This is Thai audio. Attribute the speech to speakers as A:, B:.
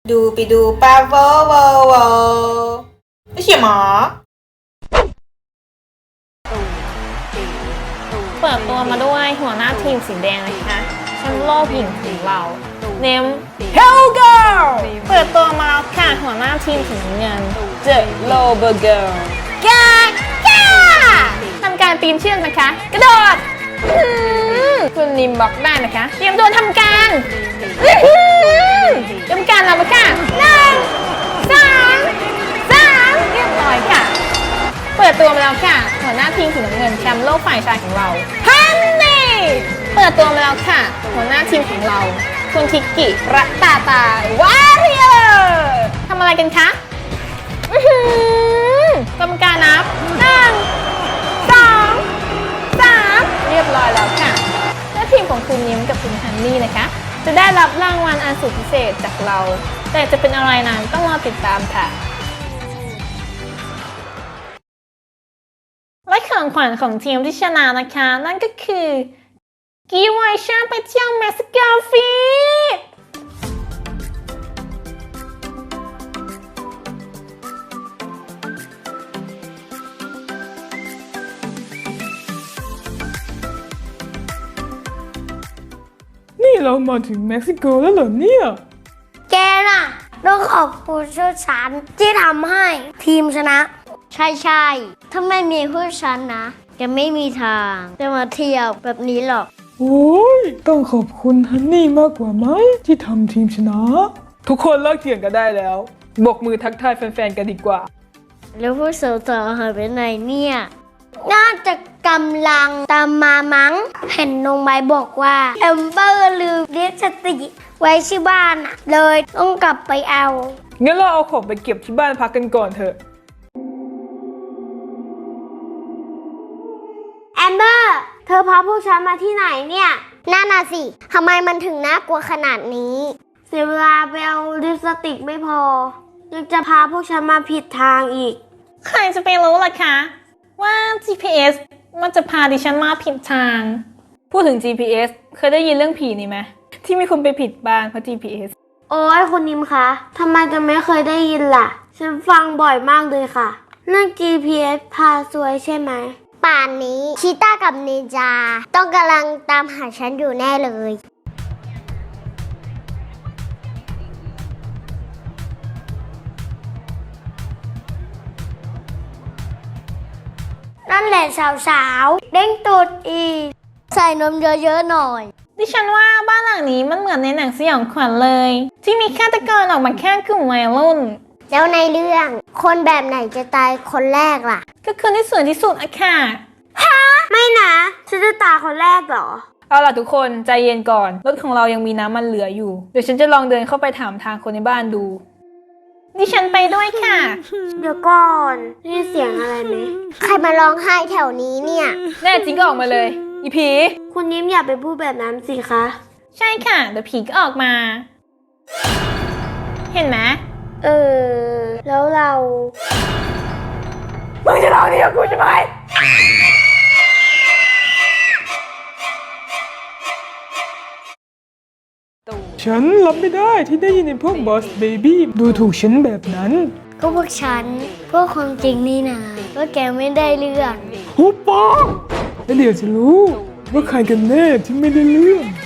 A: ดูไปดูปาโวโวโวไม่ใช่หมอ
B: เปิดตัวมาด้วยหัวหน้าทีมสีแดงนะคะแชมป์โลกหญิงของเราเนม Hell Girl เปิดตัวมาแล้วค่ะหัวหน้าทีมสีน้ำเงิน The Lover Girl กากาทำการปีนเชือกนะคะกระโดดคุณนิมบอกได้นะคะเตรียมตัวทำการทำการแล้วค่ะ1 2 3เรียบร้อยค่ะเปิดตัวมาแล้วค่ะหัวหน้าทีมสีน้ำเงินแชมป์โลกฝ่ายชายของเราฮันนี่เปิดตัวมาแล้วค่ะหัวหน้าทีมของเราคุณทิกกิรัตตาตาวาเรียร์ทำอะไรกันคะกรรมการนับ1 2 3เรียบร้อยแล้วค่ะและทีมของคุณยิ้มกับคุณฮันนี่นะคะจะได้รับรางวัลอันสุดพิเศษจากเราแต่จะเป็นอะไรนั้นต้องรอติดตามค่ะและของขวัญของทีมที่ชนะนะคะนั่นก็คือกีไวชาไปเที่ยวเม็กซิโกฟรี
C: นี่เรามาถึงเม็กซิโกแล้วเหรอเนี่ย
D: แกน่ะต้องขอบคุณผู้ฉันที่ทำให้ทีมชนะ ใช่ถ้าไม่มีผู้ฉันนะจะไม่มีทางจะมาเที่ยวแบบนี้หรอก
C: โอ้ยต้องขอบคุณฮันนี่มากกว่าไหมที่ทำทีมชนะ ทุกคนเลิกเถียงกันได้แล้วบกมือทักทายแฟนๆกันดีกว่า
D: แล้วผู้สาวๆหายไปไหนเนี่ยน่าจะกำลังตามมามั้งเห็นน้องไม้บอกว่าแอมเบอร์ลืมลิปสติกไว้ที่บ้านอะเลยต้องกลับไปเอา
C: งั้นเราเอาของไปเก็บที่บ้านพักกันก่อนเถอะ
D: แอมเบอร์เธอพาพวกฉันมาที่ไหนเนี่ยน่าน่ะสิทำไมมันถึงน่ากลัวขนาดนี้เสียเวลาไปเอาลิปสติกไม่พอยังจะพาพวกฉันมาผิดทางอีก
B: ใครจะไปรู้ล่ะคะว่า GPS มันจะพาดิฉันมาผิดทาง พูดถึง GPS เคยได้ยินเรื่องผีนี่ไหมที่มีคนไปผิดบ้านเพราะ GPS
D: โอ้ยคุณนิมคะทำไมจะไม่เคยได้ยินล่ะฉันฟังบ่อยมากเลยค่ะเรื่อง GPS พาซวยใช่ไหมป่านนี้ชีต้ากับนินจาต้องกำลังตามหาฉันอยู่แน่เลยนั่นแหละสาวๆเด้งตูดอีกใส่นมเยอะๆหน่อย
B: ดิฉันว่าบ้านหลังนี้มันเหมือนในหนังสยองขวัญเลย ที่มีฆาตกรออกมาแค่กลุ่มวัยรุ่น
D: แล้วในเรื่องคนแบบไหนจะตายคนแรกล่ะ
B: ก็คือที่สวยที่สุดอะค่ะ
D: ไม่นะฉันจะตายคนแรกเหรอ
C: เอาล่ะทุกคนใจเย็นก่อนรถของเรายังมีน้ำมันเหลืออยู่เดี๋ยวฉันจะลองเดินเข้าไปถามทางคนในบ้านดู
B: ดิฉันไปด้วยค่ะ
D: เดี๋ยวก่อนนี่เสียงอะไรไหมใครมาร้องไห้แถวนี้เนี่ย
C: แน่จริงก็ออกมาเลยอีผี
D: คุณยิ้มอย่าไปพูดแบบนั้นสิคะ
B: ใช่ค่ะเดี๋ยวผีก็ออกมา เห็นไหม
D: แล้วเรา
C: มึงจะลองนี่กับกูใช่ไหมฉันรับไม่ได้ที่ได้ยินในพวกบอสเบบี้ดูถูกฉันแบบนั้น
D: ก็พวกฉันพวกความจริงนี่นะว่าแกไม่ได้เรื่อง
C: หุบปากแล้วเดี๋ยวจะรู้ว่าใครกันแน่ที่ไม่ได้เรื่อง